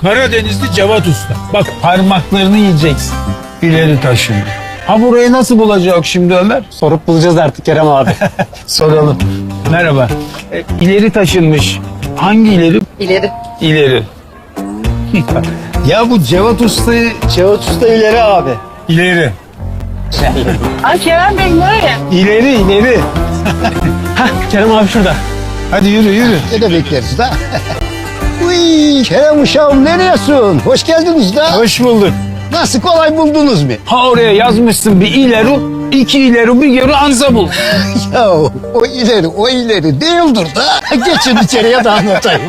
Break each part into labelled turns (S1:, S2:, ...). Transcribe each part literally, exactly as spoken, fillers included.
S1: Karadenizli Cevat Usta. Bak parmaklarını yiyeceksin. İleri taşın. Ha burayı nasıl bulacak şimdi Ömer?
S2: Sorup bulacağız artık Kerem abi.
S1: Soralım. Merhaba. E, ileri taşınmış. Hangi ileri?
S3: İleri.
S1: İleri. Ya bu Cevat Usta'yı...
S2: Cevat Usta ileri abi.
S1: İleri.
S3: Ay Kerem Bey nereye?
S1: İleri ileri.
S2: Hah Kerem abi şurada.
S1: Hadi yürü yürü.
S4: Ne de bekleriz da. Uy, Kerem uşağım nereyesin? Hoş geldiniz da.
S1: Hoş bulduk.
S4: Nasıl kolay buldunuz mu?
S1: Ha oraya yazmışsın bir ileri, iki ileri bir geri anza bul.
S4: Ya o ileri o ileri değildir da. Geçin içeriye de anlatayım.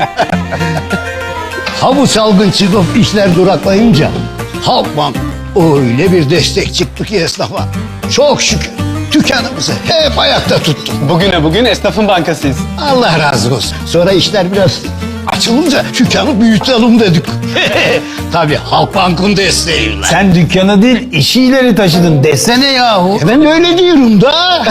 S4: Ha bu salgın çıkıp işler duraklayınca Halkbank öyle bir destek çıktı ki esnafa. Çok şükür dükkanımızı hep ayakta tuttuk.
S2: Bugüne bugün esnafın bankasıyız.
S4: Allah razı olsun. Sonra işler biraz açılınca dükkanı büyütelim dedik. Tabii Halkbank'ın desteğiyle.
S1: Sen dükkanı değil işi ileri taşıdın desene yahu.
S4: Ben öyle diyorum da.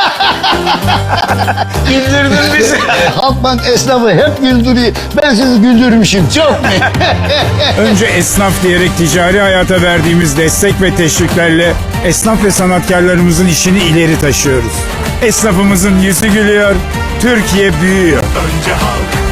S1: Güldürdün bizi.
S4: Halkbank esnafı hep güldürüyor. Ben sizi güldürmüşüm çok mu?
S5: Önce esnaf diyerek ticari hayata verdiğimiz destek ve teşviklerle esnaf ve sanatkarlarımızın işini ileri taşıyoruz. Esnafımızın yüzü gülüyor, Türkiye büyüyor.
S6: Önce halk